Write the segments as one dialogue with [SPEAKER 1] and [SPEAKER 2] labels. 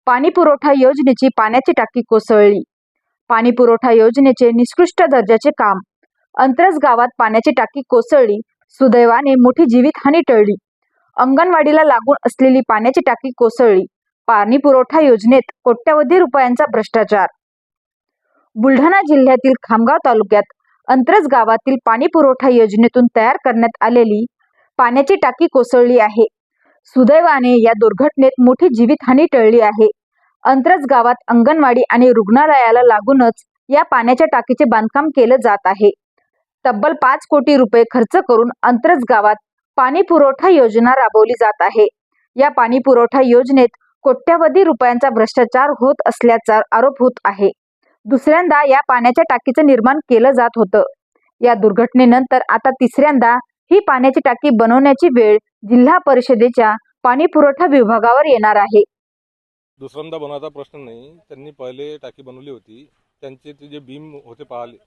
[SPEAKER 1] पाणीपुरवठा योजनेची पाण्याची टाकी कोसळली. पाणीपुरवठा योजनेचे निकृष्ट दर्जाचे काम. अंतरज गावात पाण्याची टाकी कोसळली. सुदैवाने मोठी जीवितहानी टळली. अंगणवाडीला लागून असलेली पाण्याची टाकी कोसळली. पाणीपुरवठा योजनेत कोट्यवधी रुपयांचा भ्रष्टाचार. बुलढाणा जिल्ह्यातील खामगाव तालुक्यात अंतरज गावातील पाणीपुरवठा योजनेतून तयार करण्यात आलेली पाण्याची टाकी कोसळली आहे. सुदैवाने या दुर्घटनेत मोठी जीवितहानी टळली आहे. अंतरज गावात अंगणवाडी आणि रुग्णालयाला लागूनच या पाण्याच्या टाकीचे बांधकाम केलं जात आहे. तब्बल 5 कोटी रुपये खर्च करून अंतरज गावात पाणी पुरवठा योजना राबवली जात आहे. या पाणी पुरवठा योजनेत कोट्यवधी रुपयांचा भ्रष्टाचार होत असल्याचा आरोप होत आहे. दुसऱ्यांदा या पाण्याच्या टाकीचं निर्माण केलं जात होतं. या दुर्घटनेनंतर आता तिसऱ्यांदा ही पाण्याची टाकी बनवण्याची वेळ जिल्हा परिषदेच्या पाणी पुरवठा विभागावर येणार आहे.
[SPEAKER 2] दुसऱ्यांदा बनवायचा प्रश्न नाही. त्यांनी पहिले टाकी बनवली होती. त्यांचे ते जे बीम होते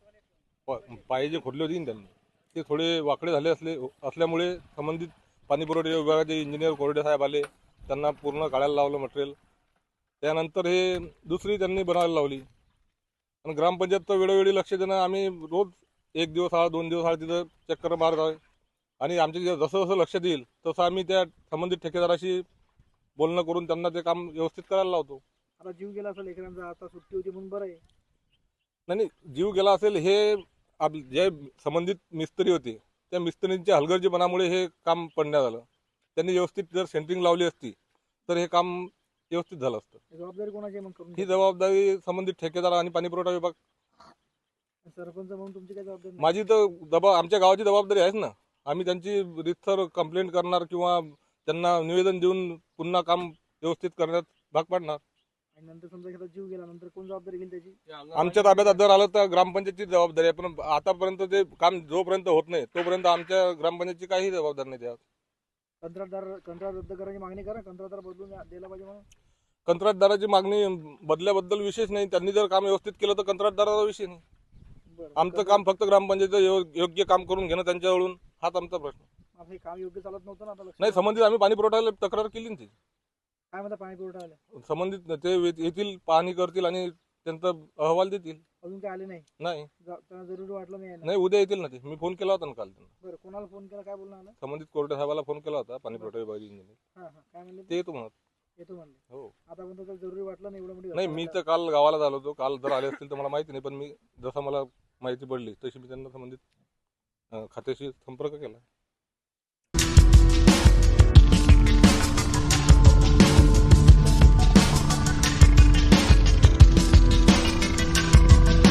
[SPEAKER 2] पाय जे खोदले होते त्यांनी ते थोडे वाकडे झाले असल्यामुळे संबंधित पाणी पुरवठा विभागाचे इंजिनियर कोरडे साहेब आले. त्यांना पूर्ण काढायला लावलं मटेरियल. त्यानंतर हे दुसरी त्यांनी बनवायला लावली. आणि ग्रामपंचायत तर वेळोवेळी लक्ष देणं, आम्ही रोज 1 दिवस आड 2 दिवस आड तिथं चक्कर मारत आहे. आणि आमचे जसं जसं लक्ष देईल तसं आम्ही त्या संबंधित ठेकेदाराशी बोलणं करून त्यांना ते काम व्यवस्थित करायला लावतो.
[SPEAKER 3] आता जीव गेला असेल लेकरांचा, आता सुट्टी होती म्हणून बरं आहे.
[SPEAKER 2] नाही, जीव गेला असेल हे जे संबंधित मिस्त्री होते त्या मिस्त्रींच्या हलगर्जीपणामुळे हे काम पडण्यात आलं. त्यांनी व्यवस्थित जर सेंटरिंग लावली असती तर हे काम व्यवस्थित झालं असतं.
[SPEAKER 3] जबाबदारी कोणाची मग करून?
[SPEAKER 2] ही जबाबदारी संबंधित ठेकेदार आणि पाणीपुरवठा विभाग.
[SPEAKER 3] सरपंच म्हणून तुमची काय जबाबदारी?
[SPEAKER 2] माझी तर आमच्या गावाची जबाबदारी आहेच ना. आम्ही त्यांची रितसर कंप्लेंट करणार किंवा त्यांना निवेदन देऊन पुन्हा काम व्यवस्थित करण्यात भाग पाडणार.
[SPEAKER 3] आणि नंतर समजा एखादा जीव गेला नंतर कोण जबाबदारी घेईल त्याची?
[SPEAKER 2] आमच्या ताब्यात जर आलं तर ग्रामपंचायतची जबाबदारी आहे. पण आतापर्यंत ते काम जोपर्यंत होत नाही तोपर्यंत आमच्या ग्रामपंचायतची काही जबाबदारी नाही त्यात.
[SPEAKER 3] कंत्राट रद्द करायची मागणी करा. कंत्राटदार बदलून द्यायला पाहिजे म्हणून.
[SPEAKER 2] कंत्राटदाराची मागणी बदल्याबद्दल विशेष नाही. त्यांनी जर काम व्यवस्थित केलं तर कंत्राटदाराचा विषय नाही. आमचं काम फक्त ग्रामपंचायत योग्य काम करून घेणं त्यांच्याकडून, हाच आमचा प्रश्न.
[SPEAKER 3] हे काम योग्य चालत नव्हतं ना आता?
[SPEAKER 2] नाही, संबंधित आम्ही पाणी पुरवठ्याला तक्रार केली ना.
[SPEAKER 3] काय म्हणता पाणी पुरवठा आले?
[SPEAKER 2] संबंधित ते येतील, पाहणी करतील आणि त्यांचा अहवाल देतील.
[SPEAKER 3] अजून काय आले नाही?
[SPEAKER 2] नाही,
[SPEAKER 3] त्यांना जरुरी वाटलं नाही?
[SPEAKER 2] नाही, उद्या येतील ना ते. मी फोन केला होता ना काल त्यांना.
[SPEAKER 3] बरं, कोणाला फोन केला, काय बोलणं आलं?
[SPEAKER 2] संबंधित कोर्टे साहेबाला फोन केला होता, पाणी पुरवठा विभागाचे इंजिनियर.
[SPEAKER 3] काय म्हणले?
[SPEAKER 2] ते येतो म्हणत.
[SPEAKER 3] येतो म्हणले.
[SPEAKER 2] हो.
[SPEAKER 3] आता पण त्याला जरुरी वाटलं नाही एवढं मोठी?
[SPEAKER 2] नाही, मी तर काल गावाला झालो होतो. काल जर आले असतील तर मला माहिती नाही. पण मी जसं मला माहिती पडली तशी मी त्यांना संबंधित खात्याशी संपर्क केला.